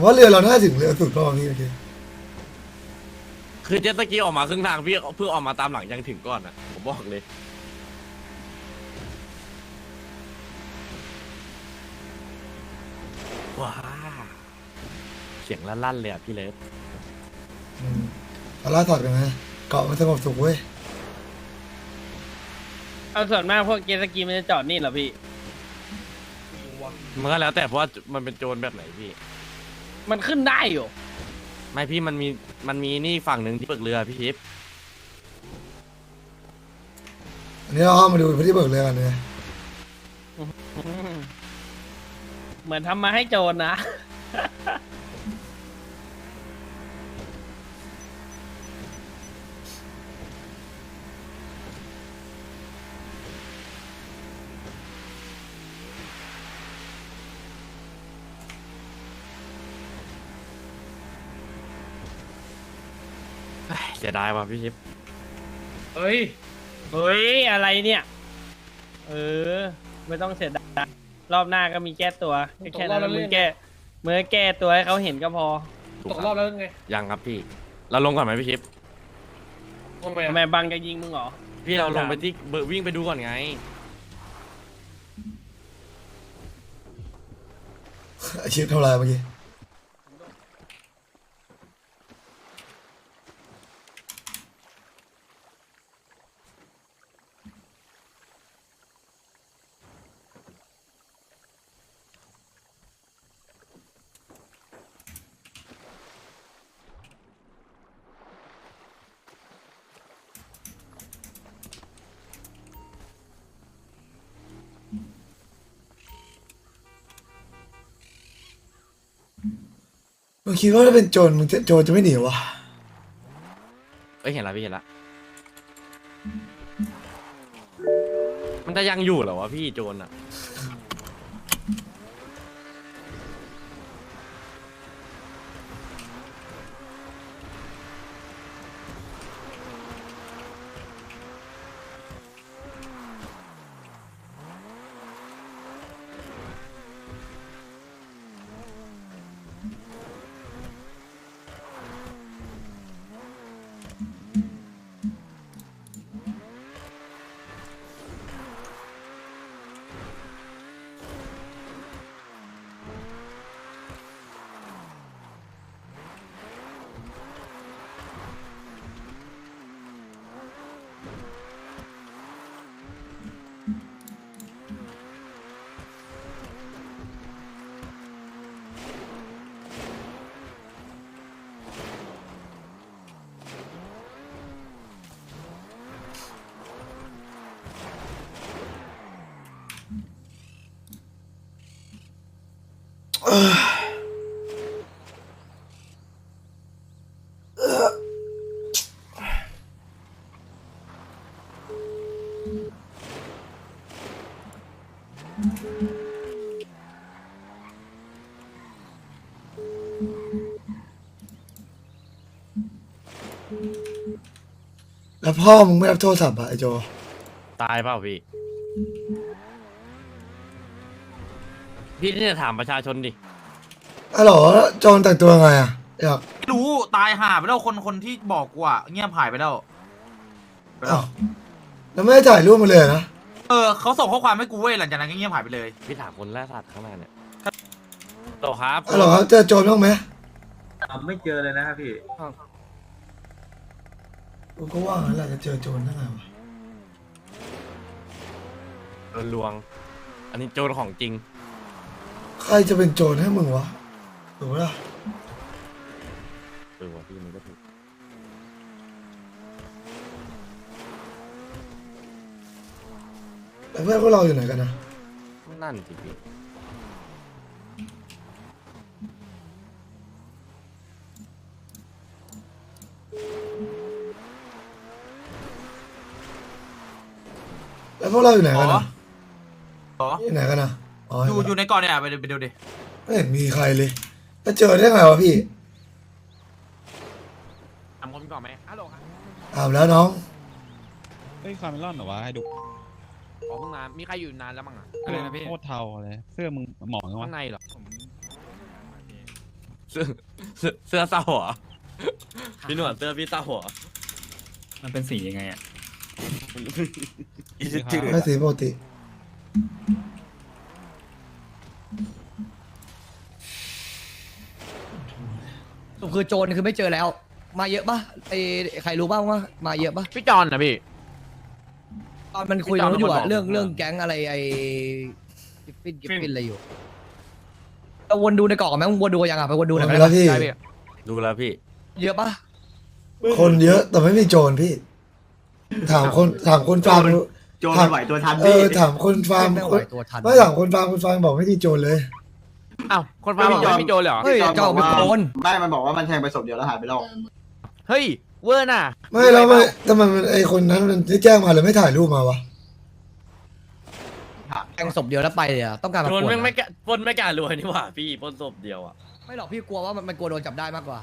ว่าเรือเราน่าถึงเรือสุดรอบนี้โอเคคือเจ็ตสกีออกมาครึ่งทางพี่เพิ่งออกมาตามหลังยังถึงก่อนนะผมบอกเลยว้าเสียงลั่นๆเลยอ่ะพี่เลิฟเอาล่าถอดกันนะเกาะมันสงบสุขเว้ยเอาส่วนมากพวกเจตสกีมันจะจอดนี่เหรอพี่มันก็แล้วแต่เพราะว่ามันเป็นโจรแบบไหนพี่มันขึ้นได้อยู่ไม่พี่มันมีนี่ฝั่งหนึ่งที่เบิกเรือพี่ชิปอันนี้เราเข้ามาดูพื้นที่เบิกเรือกันเลยเหมือนทำมาให้โจรนะเสียดายว่ะพี่ชิปเฮ้ย เฮ้ย อะไรเนี่ย เออ ไม่ต้องเสียดายรอบหน้าก็มีแก้ตัวแค่นั้นมึงแก้ตัวให้เขาเห็นก็พอถูตกรอบแล้วไงยังครับพี่ เราลงก่อนไหมพี่ชิปทำไมทำไมบังจะยิงมึงเหรอพี่เราลงไปที่วิ่งไปดูก่อนไงไอชิปทำลายเมื่อกี้มึงคิดว่าถ้าเป็นโจรมึงจะโจรจะไม่หนีวะเอ้ยเห็นละพี่เห็นละมันจะยังอยู่เหรอวะพี่โจรอ่ะแล้วพ่อมึงไม่รับโทรศัพท์อะไอโจตายเปล่าพี่ พี่นี่จะถามประชาชนดิอ๋อเหรอโจรแต่งตัวไงอะอยากไม่รู้ตายห่าไปแล้วคนที่บอกกูอ่ะเงียบหายไปแล้วไปแล้วอ้าวแล้วไม่ได้ถ่ายรูปมาเลยนะเขาส่งข้อความให้กูเว้ยหลังจากนั้นก็เงียบหายไปเลยพี่ถามคนแรกสัตว์ข้างหน้าเนี่ยโตครับอ๋อเหรอเจอโจรบ้างไหมไม่เจอเลยนะครับพี่กูก็ว่างั้นแหละจะเจอโจรได้ไงวะโดนลวง อันนี้โจรของจริงใครจะเป็นโจรให้มึงวะถูกปะล่ะว่ะพี่มันก็ถูกแล้วเพื่อนพวกเราอยู่ไหนกันนะนั่นสิพี่แล้วพวกเราอยู่ไหนอ๋กันอนะอ๋ออยู่ไหนกันนะอ๋ออยู่ในเก่อนเนี่ยไปดูดิไม่เห็นมีใครเลยแล้วเจอได้ไงวะพี่ถามคนก่อนไหมฮัลโหลครับอาบแล้วน้องเฮ้ยคาร์เมลอนเหรอวะให้ดูขอเพิ่งมามีใครอยู่นานแล้วมั้งอ่ะอะไรนะพี่โคตรเทาเลยเสื้อมึงหมองวะข้างในเหรอเเสื้อเศร้าเหรอพี่หนวดเสื้อพี่เศร้าเหรอมันเป็นสียังไงอ่ะไม่สีปกติคือโจรคือไม่เจอแล้ว มาเยอะปะไอ้ใครรู้บ้างว่ามาเยอะปะพี่จอนนะพี่ตอนมันคุยกันอยู่อะพี่จอมเป็นคนบอกเรื่องแก๊งอะไรไอ้กิฟฟินอะไรอยู่เราวนดูในกล่องไหมมึงวนดูยังอ่ะไปวนดูหน่อยไหมแล้วพี่ดูแล้วพี่เยอะปะคนเยอะแต่ไม่มีโจรพี่ ถามคนฟาร์มโจรมันไหวตัวทันเอพี่อถามคนฟาร์มไม่ไหวตัวทันไม่ถามคนฟาร์มบอกไม่มีโจรเลยอ้าวคนฟ้าบอกไม่มีโจรเลยเหรอเฮ้ยเจ้าเป็นโจรไม่มันบอกว่ามันแทงไปศพเดียวแล้วหายไปแล้วเฮ้ยเวอร์น่ะไม่แล้วไม่ทำไมมันไอคนนั้นมันที่แจ้งมาเลยไม่ถ่ายรูปมาวะแทงศพเดียวแล้วไปเลยอะต้องการมาโจปรวดแม่งไม่อะกล้าปล้นไม่กล้ารวยนี่หว่าพี่ปล้นศพเดียวอ่ะไม่หรอกพี่กลัวว่ามันกลัวโดนจับได้มากกว่า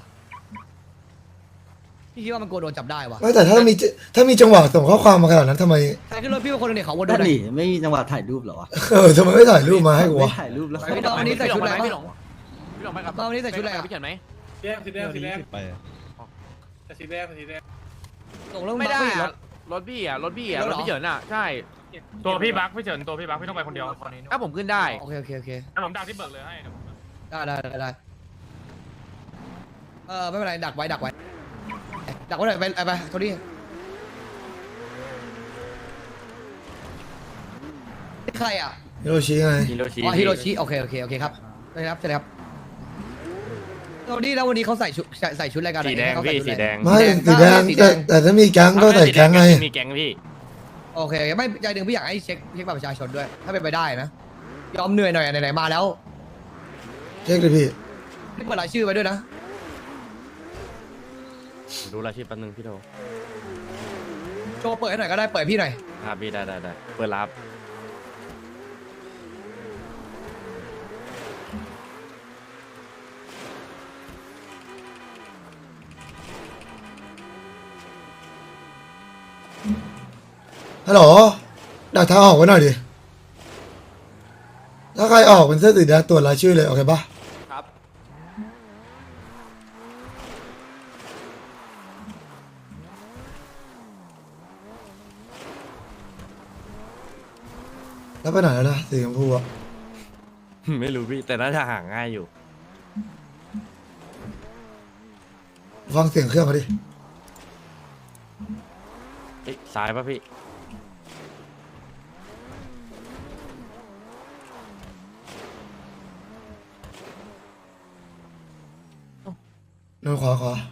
พี่คิดว่ามันกลัวโดนจับได้วะไม่แต่ถ้ามีจังหวะส่งข้อความมาขนาดนั้นทำไมใครขึ้นรถพี่เป็นคนหนึ่งเนี่ยเขาวนดูนั่นหน่อยดิไม่มีจังหวะถ่ายรูปเหรอวะทำไมไม่ถ่ายรูปมาให้กูไม่วะถ่ายรูปแล้วพี่น้องวันนี้ใส่ชุดอะไรพี่หลบ้างงพี่หลงไปกับน้องวันนี้ใส่ชุดอะไรอะพี่เขียนไหมแดงสีแดงสีแดงไปอะแต่สีแดงสีแดงส่งเรื่องไม่ได้บัคอะรถพี่อ่ะรถพี่อ่ะรรถถเหรอพี่เฉินอ่ะใช่ตัวพี่บักพี่เฉินตัวพี่บักพี่ต้องไปคนเดียวถ้าผมขึ้นได้โอเคโอเคโอเคแล้วผมดักที่เบิกเลยให้ได้ไม่เป็นไรดักไว้ดักไว้หน่อยไปโทนี่นี่ใครอ่ะฮิโรชิไงฮิโรชิอ๋อฮิโรชิโอเคครับได้ครับโทนี่แล้ววันนี้เขาใส่ชุดอะไรกันสีแดงเขาใส่พี่ชุสีอะแดไรงไม่สีแดงแต่ถ้ามีแก๊งก็ใส่แก๊งไงมีแก๊งพี่โอเคไม่ใจหนึ่งพี่อยากให้เช็คบัตรประชาชนด้วย ถ้าเป็นไปได้นะยอมเหนื่อยหน่อยไหนๆมาแล้วเช็คเลยพี่นี่เปิดรายชื่อไว้ด้วยนะดูรายชื่อแป๊บนึงพี่โทโชว์เปิดให้หน่อยก็ได้เปิดพี่หน่อยครับพี่ได้เปิดรับฮัลโหลดักทางออกไว้หน่อยดิ ถ้าใครออกเป็นเสื้อสีแดงตรวจรายชื่อเลย โอเคปะครับแล้วไปไหนแล้วนะสีชมพูอะไม่รู้พี่แต่น่าจะหาง่ายอยู่ฟังเสียงเครื่องเขาดิเอ้ยซ้ายป่ะพี่โดนขวา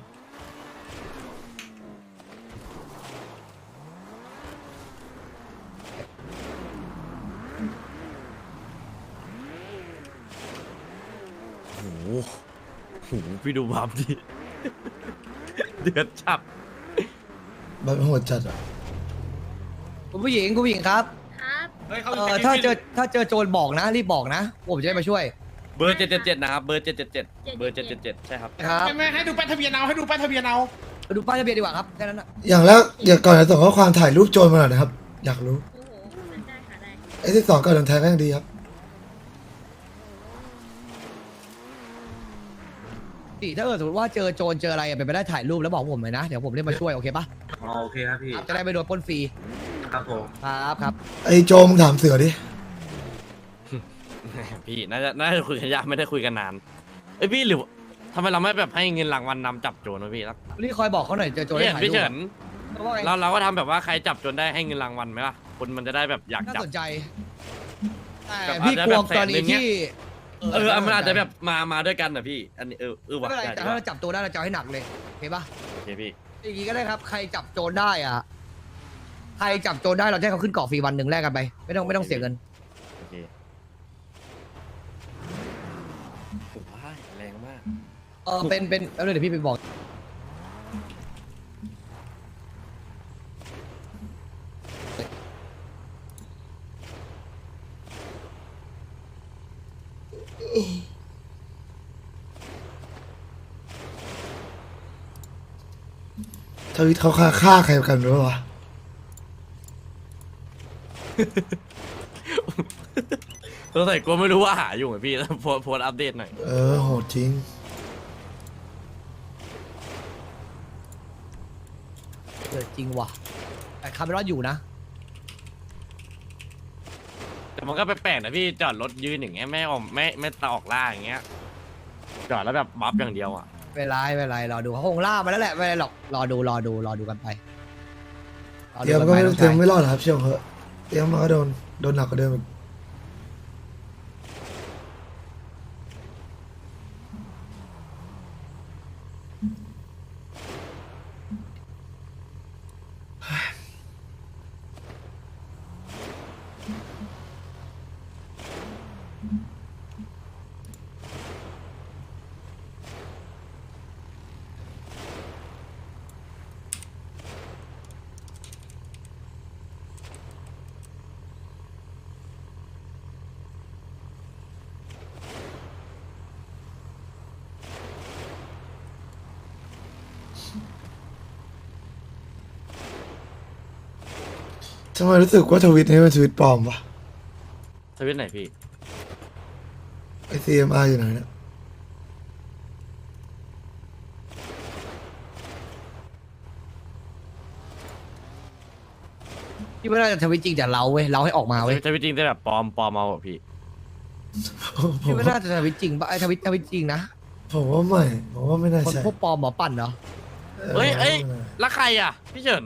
โอ้โหพี่ดูบัฟดิ เดือดจับแบบโหดจัดอะคุณผู้หญิงครับครับเฮ้ยเขาถ้าเจอโจรบอกนะรีบบอกนะ ผมจะได้มาช่วยเบอร์777นะครับเบอร์777เบอร์777ใช่ครับครับไม่ให้ดูป้ายทะเบียนเอาให้ดูป้ายทะเบียนเอาไปดูป้ายทะเบียนดีกว่าครับแค่นั้นนะอย่างแรกอย่าก่อนจะส่งข้อความถ่ายรูปโจรมาหน่อยนะครับ อยากรู้โอ้โหได้ค่ะได้ไอ้ที่สองก็โดนแทงก็ยังดีครับถ้าสมมติว่าเจอโจรเจออะไรเป็นไปได้ถ่ายรูปแล้วบอกผมเลยนะเดี๋ยวผมเรียกมาช่วยโอเคปะโอเคครับพี่จะได้ไม่โดนปล้นฟรีครับผมครับไอ้โจมึงถามเสือดิพี่น่าจะคุยกันยากไม่ได้คุยกันนานเอ้ยพี่หรือทำไมเราไม่แบบให้เงินรางวัลนำจับโจรวะพี่แล้วนี่คอยบอกเขาหน่อยเจอโจรให้ถ่ายพี่รูเฉิปนเขาว่าไงเราก็ทำแบบว่าใครจับโจรได้ให้เงินรางวัลไหมล่ะคนมันจะได้แบบอยากน่าจับสนใจแต่แบบพี่อาจกจะลัวแบบแสกรนหนึ่ณีงเนี่ยที่มันอาจจะแบบมาด้วยกันนะพี่อันนี้ไม่ว่ะเป็นไรได้แต่ดีถ้าว่ะเราจับตัวได้เราจะเอาให้หนักเลยโอเคปะโอเคพี่อย่างนี้ก็ได้ครับ ใครจับโจรได้อ่ะ ใครจับโจรได้เราจะให้เขาขึ้นเกาะฟรีวันหนึ่งแลกกันไป ไม่ต้องเสียเงินโอเคโอ้ยแรงมากเป็นแล้วเดี๋ยวพี่ไปบอกทวิตเขาฆ่าใครกันหรือเปล่าวะสงสัยกูไม่รู้ว่าหาอยู่ไงพี่ โพสต์อัปเดตหน่อยโหดจริงจริงว่ะแต่คาร์เมลอนอยู่นะแต่มันก็แปลกๆนะพี่จอดรถยืนอย่างเงี้ยไม่ออกไม่ตาออกล่าอย่างเงี้ยจอดแล้วแบบบัฟอย่างเดียวอ่ะไม่เป็นไรรอดูเขาคงล่ามาแล้วแหละไม่เป็นไรหรอกรอดูกันไปรอเตรีดูยมกันก็ไปไม่น้องเตรียชาม ยไม่รอดหรอกครับเชื่อผมเถอะเตรียมมาก็โดนหนักกว่าเดิมอีก ทำไมรู้สึกว่าทวิตนี้เป็นทวิตปลอมวะทวิตไหนพี่ไอ CMR อยู่ไหนเนี่ยพี่ไม่น่าจะทวิตจริงแต่เราเว้ยเราให้ออกมาเว้ยทวิตจริงแต่แบบปลอมเอาอะพี่ผมพี่ไม่น่าจะทวิตจริงปะไอ้ทวิตจริงนะผมว่าไม่ผมว่าไม่น่าคนใช่พวกปลอมหมอปั่นเนาะเอ้ยแล้วใครอ่ะพี่เฉิน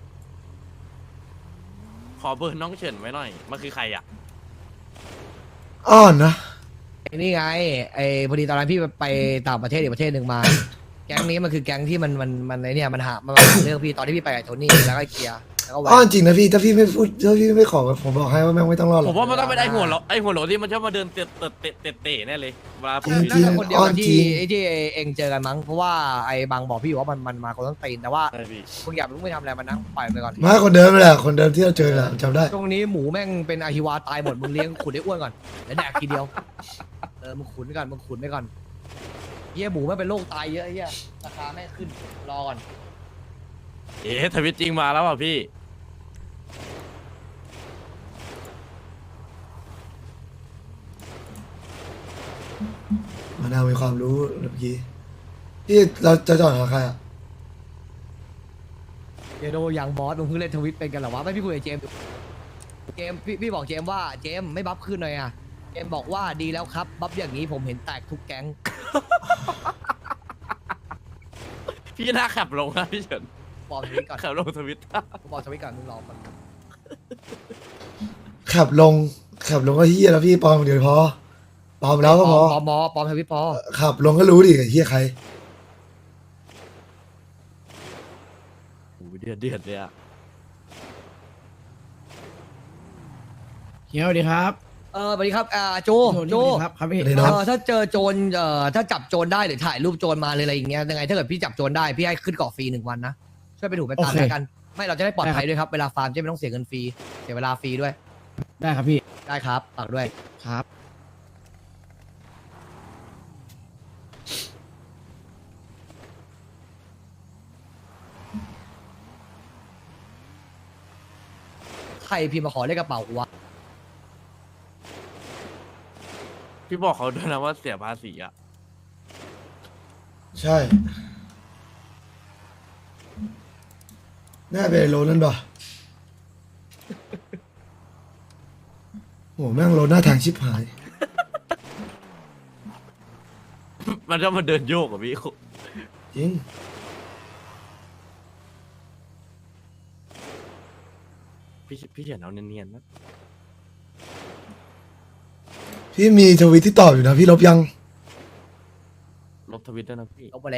ขอเบอร์น้องเฉินไว้หน่อยมันคือใครอ่ะอ่อนนะไอ้นี่ไงไอ้พอดีตอนนั้นพี่ไปต่างประเทศอีกประเทศหนึ่งมา แก๊งนี้มันคือแก๊งที่มันไอ้เนี่ยมันหาเรื่องพี่ตอนที่พี่ไปกับโทนี่แล้วก็ไอ้เกียร์แล้วก็แหวอ่อนนจริงนะพี่ถ้าพี่ไม่พูดถ้าพี่ไม่ขอผมบอกให้ว่าแม่งไม่ต้องรอดหรผอกมว่ามันต้องเป็นไอหัวโหลที่มันชอบมาเดินเตะแน่เลยเวลาผมจริงน่าจะคนเดียวกับจริที่งไอ้ที่เองเจอกันมั้งเพราะว่าไอ้บางบอกพี่อยู่ว่ามันมาคนต้องตีนแต่ว่าใช่พี่มึงอย่าไปทำอะไรมันนะปล่อยไปก่อนมาคนเดิมนั่นแหละคนเดิมที่เราเจอแหละจำได้ช่วงนี้หมูแม่งเป็นอาฮิวาตายหมดมึงเลี้ยงขุนได้อ้วนก่อนแล้วแดกทีเดียวมึงขุนไปก่อนเหี้ยหมูแม่งเป็นโรคตายเยอะไอ้เหี้ยราคาแม่งขึ้นรอก่อนทวิตจริงมาแล้วอ่ะพี่มานาวมีความรู้เมื่อกี้พี่เราจะจอดหาใครอ่ะเจโดอย่างบอสมึงเพิ่งเล่นทวิตเป็นกันเหรอวะไม่พี่คุยกับเจมส์พี่บอกเจมส์ว่าเจมส์ไม่บัฟขึ้นหน่อยอ่ะเจมส์บอกว่าดีแล้วครับบัฟอย่างนี้ผมเห็นแตกทุกแก๊งพี่น่าขับลงนะพี่เฉินบอกทวิตก่อนขับลงทวิตบอกทวิตก่อนมึงรอก่อนขับลงก็เฮียแล้วพี่ปลอมเดี๋ยวพอปลอมแล้วก็พอปอมทวิตพอขับลงก็รู้ดิไอ้เฮียใครโอ้โหเดือดเลยอ่ะเฮียสวัสดีครับสวัสดีครับโจสวัสดีครับครับพี่สวัสดีครับถ้าเจอโจรถ้าจับโจรได้หรือถ่ายรูปโจรมาเลยอะไรอย่างเงี้ยยังไงถ้าเกิดพี่จับโจรได้พี่ให้ขึ้นเกาะฟรี1 วันนะช่วยไปถูกไปตามแล้วกันไม่เราจะได้ปลอดภัยด้วยครับเวลาฟาร์มจะไม่ต้องเสียเงินฟรีเสียเวลาฟรีด้วยได้ครับพี่ได้ครับฝากด้วยครับใครพิมพ์มาขอเลขกระเป๋ากูวะพี่บอกเขาด้วยนะว่าเสียภาษีอ่ะใช่น่าเป็นโลนั่นป่ะโหแม่งโลหน้าทางชิบหายมันจะมาเดินโยกกับพี่จริงพี่เฉินเอาเนียนๆนะพี่มีทวิตที่ตอบอยู่นะพี่ลบยังลบทวิตด้วยนะพี่ลบไปแล้ว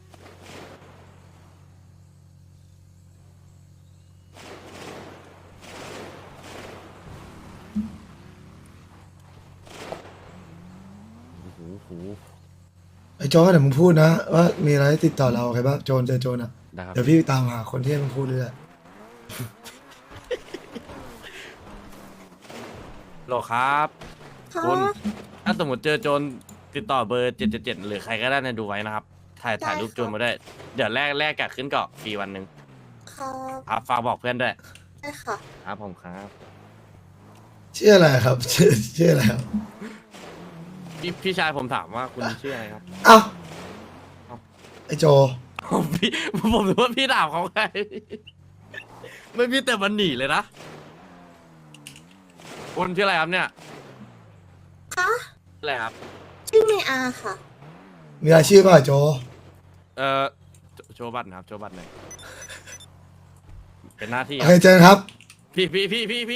โอ้โหไอ้โจนเดี๋ยวมึงพูดนะว่ามีอะไรติดต่อเราใครบ้างโจนเจอโจนอ่ะนะครับเดี๋ยวพี่ตามหาคนที่ให้มึงพูดเรื่อยโหลครับคุณถ้าสมมติเจอโจรติดต่อเบอร์777หรือใครก็ได้ในดูไว้นะครับ ถ่ายรูปโจรมาด้วย เดี๋ยวแลกกับขึ้นเกาะฟรีวันหนึ่งครับครับฝากบอกเพื่อนด้วยได้ค่ะครับผมครับชื่ออะไรครับ ชื่ออะไรครับพี่ชายผมถามว่าคุณชื่ออะไรครับเอ้าไอ้โจพี่ผมรู้ว่าพี่ถามเขาไงไม่มีแต่มันหนีเลยนะคนชื่ออะไรครับเนี่ยคะอะไรครับชื่อเมอาค่ะมีอาชีพป่ะโจโชว์บัตรนะครับโชว์บัตรหน่อยเป็นหน้าที่โอเคเจอกันครับพี่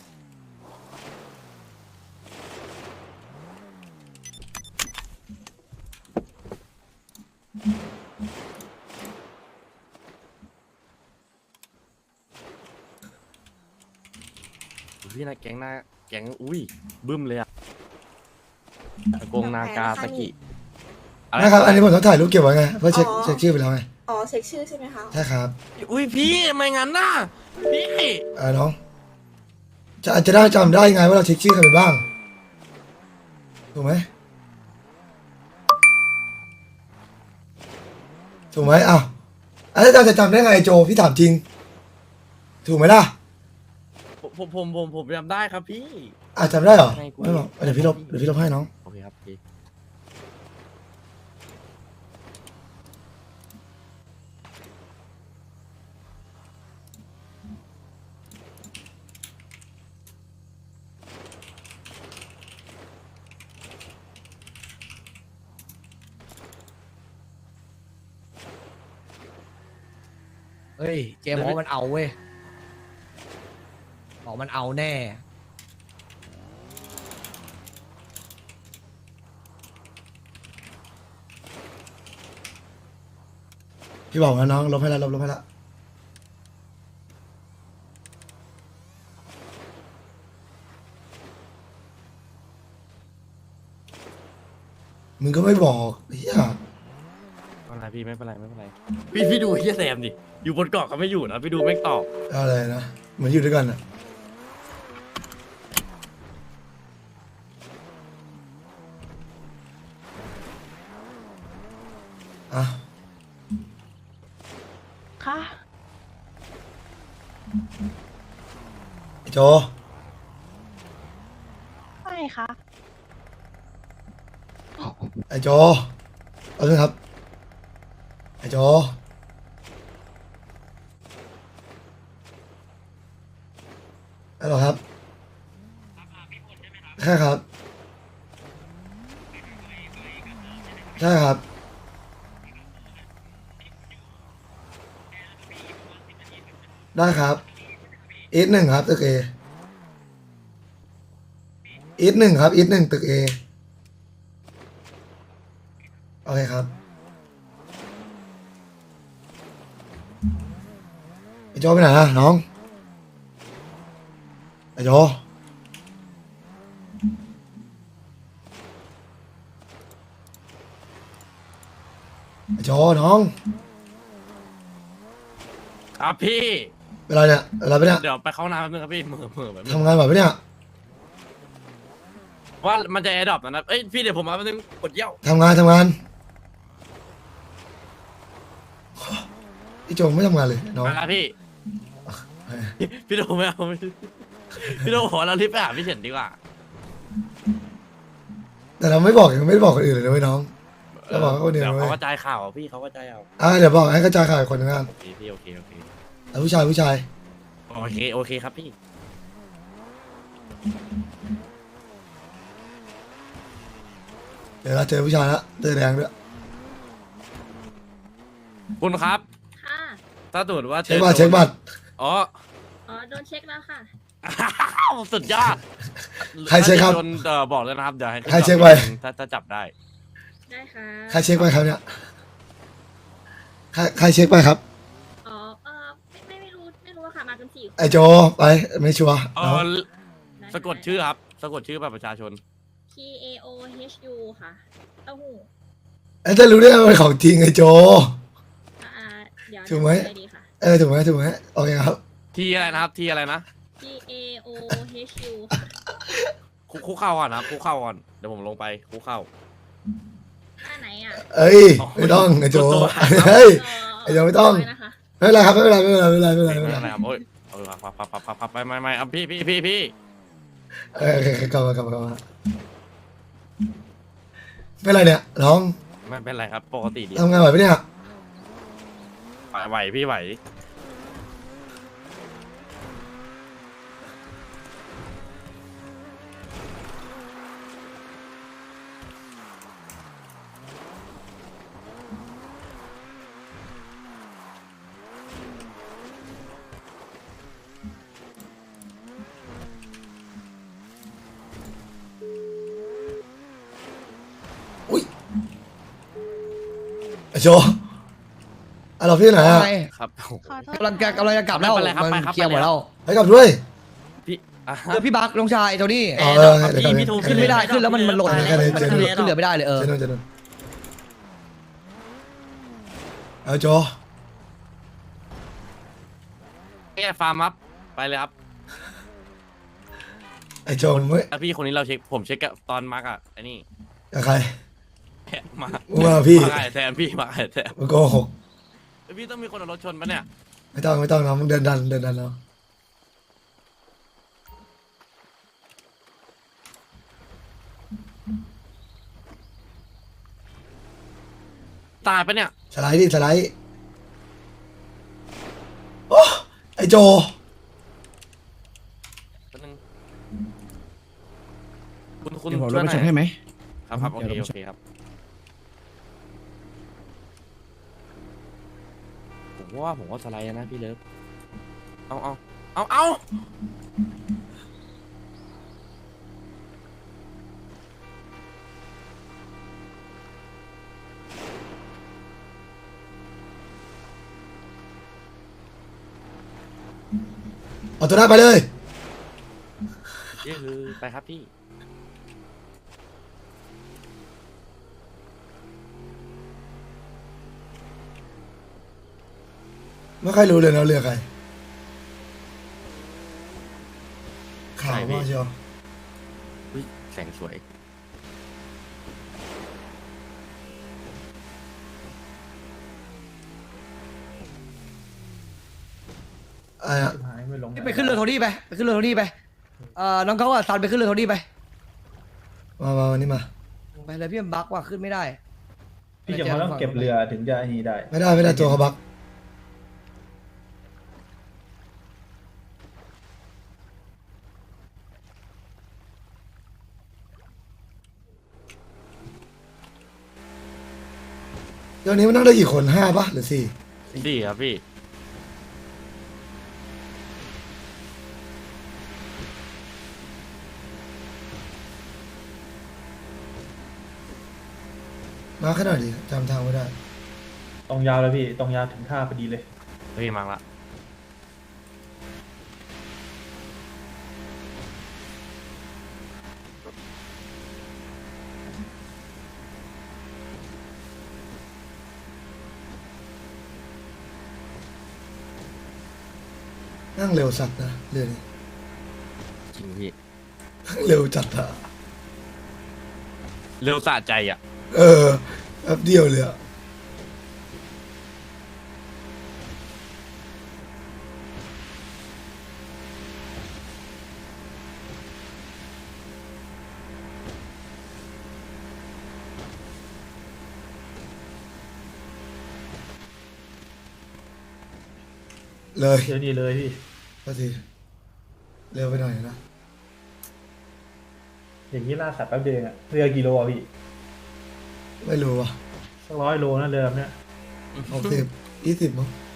พี่นะแก๊งหน้าแก๊งอุ้ยบึ้มเลยอะโกงนากาสกินะครับ อันนี้ผมต้องถ่ายรูปเก็บไว้ไงเพื่อเช็คชื่อไปแล้วไงอ๋อเช็คชื่อใช่ไหมคะใช่ครับอุ้ยพี่ทำไมงั้นน่ะพี่น้องจะได้จำได้ไงว่าเราเช็คชื่อใครไปบ้างถูกไหมอ้าวแล้วเราจะจำได้ไงโจพี่ถามจริง ถูกไหมล่ะผมจำได้ครับพี่จำได้เหรอไม่กูไม่บอกเดี๋ยวพี่ลบให้น้องโอเคครับพี่เฮ้ยเจมส์บอกว่ามันเอาเว้ยบอกมันเอาแน่พี่บอกนะน้องลบให้แล้วลบให้แล้วมึงก็ไม่บอกเฮียไม่เป็นไรพี่ไม่เป็นไรพี่ดูเฮียแซมดิอยู่บนเกาะก็ไม่อยู่นะพี่ดูแม่งตอบอะไรนะเหมือนอยู่ด้วยกันอะอ่ะค่ะไอ้โจไม่ค่ะไอ้โจเอาเลยครับไอ้โจฮัลโหลครับใช่ครับใช่ครับได้ครับอีทหนึ่งครับตึกเออีทหนึ่งครับอีทหนึ่งตึกเอโอเคครับไอ้โจไปไหนนะน้องไอ้โจไอ้โจน้องครับพี่เวลาเนี่ยเวลาไปเนี่ยเดี๋ยวไปเข้าห้องน้ำแป๊บนึงครับพี่เหม่อแบบนึงทำงานแบบไปเนี่ยว่ามันจะแอร์ดรอปนะเอ้ยพี่เดี๋ยวผมมาแป๊บนึงกดเยี่ยวทำงานพี่โจไม่ทำงานเลยน้องมาครับพี่พี่โดไม่เอาพี่โดขอเรารีบไปหาพี่เฉินดีกว่าแต่เราไม่บอกยังไม่ได้บอกคนอื่นเลยนะเว้ยน้องเราบอกแค่คนเดียวเดี๋ยวนะเว้เขายกระจายข่าวพี่เขากระจายเอาเดี๋ยวบอกให้กระจายข่าวอีกคนนึงกันโอเคพี่โอเคแล้วผู้ชายโอเคครับพี่เดี๋ยวเราเจอผู้ชายละเจอแดงด้วยคุณครับค่ะถ้าตรวจว่าเช็คบัตรอ๋ออ๋อโดนเช็คแล้วค่ะสุดยอดใครเช็คครับจนบอกเลยนะครับเดี๋ยวให้ใครเช็คไว้ถ้าจับได้ได้ค่ะใครเช็คไปครับเนี่ยใครเช็คไปครับอ๋อไม่รู้ว่าค่ะมากันสี่คนไอโจไปไม่ชัวร์เอน้องอสะกดชื่อครับสะกดชื่อแบบประชาชน T A O H U ค่ะเต้าหู้จะรู้ได้ไงว่าเป็นของจริงไอโจเดี๋ยวถูกไหมด้ดีค่ะถูกไหมโอเคครับทีอะไรนะครับทีอะไรนะ T A O H U ค่ะคุกเข่าก่อนนะครับคุกเข่าก่อนเดี๋ยวผมลงไปคุกเข่าท่าไหนอ่ะเอ้ยไม่ต้องไอโจตัวเฮ้ย ไอ้เดี๋ยวไม่ต้องนะคะไม่เป็นไรครับไม่เป็นไรไม่เป็นไรครับโอ้ยพับไปไม่เอาพี่โอเคกลับมาเป็นไรเนี่ยน้องไม่เป็นไรครับปกติดีทำงานไหวปะเนี่ยไหวพี่ไหวโจเราพี่ไหนอ่ะไงครับผมกำลังจะกลับแล้วไม่เป็นไรครับมันไปครับเคลียร์หมดแล้วให้กลับด้วยพี่อ่ะพี่บักน้องชายโทนี่อ๋อเดี๋ยวพี่ก่อนพี่ทูขึ้นไม่ได้ขึ้นแล้วมันหล่นขึ้นเลยขึ้นเหลือไม่ได้เลยเจนนเอาโจแก้ฟาร์มครับไปเลยครับไอ้โจมึงไม่อ่ะพี่คนนี้เราเช็คผมเช็คกับตอนมาร์กอ่ะไอ้นี่กับใครมามึงมาพี่มาไอ้แทนพี่มาไอ้แทนมึงโกหกพี่ต้องมีคนเอารถชนปะเนี่ยไม่ต้องนะมึงเดินดันเนาะตายปะเนี่ยสไลด์ดิสไลด์โอ้ไอ้โจแป๊บนึงคุณเดี๋ยวผมช่ลวยงหไปน่ชอน ยให้ไหมครับโอเดี๋เคยวโอเคครับผมว่าสไลด์นะพี่เลิฟเอาเอาตัวหน้าไปเลยนี่คือไปครับพี่ไม่ค่อยรู้เลยนะเรือใครข่าวใช่พี่มากเชียวอุ๊ยแสงสวยอะไรอะไปขึ้นเรือโทนี่ไปขึ้นเรือโทนี่ไปน้องเขาอะซันไปขึ้นเรือโทนี่ไปมาวันนี้มาไปเลยพี่มันบักว่ะขึ้นไม่ได้พี่จะมาต้องเก็บเรือถึงจะอันนี้ได้ไม่ได้ตัวเขาบักเดี๋ยวนี้มันนั่งได้กี่คน5 ปะหรือ 4 ดีครับพี่มาขนาดดิจำทางไม่ได้ตรงยาวเลยพี่ตรงยาวถึงท่าพอดีเลยเฮ้ยมังละนั่งเร็วสัตว์นะเรือนี้จริงพี่เร็วจัดอะเร็วสะใจอ่ะแป๊บเดียวเลยอะเลยเดี๋ยวนี้เลยพี่ก็ทีเร็วไปหน่อยนะอย่างนี้ล่าสัตว์แป๊บเดียวเองอะเรือกี่โลอะพี่ไม่รู้ว่ะสัก100 โลนะเรือแบบเนี้ย 60 20มั้ง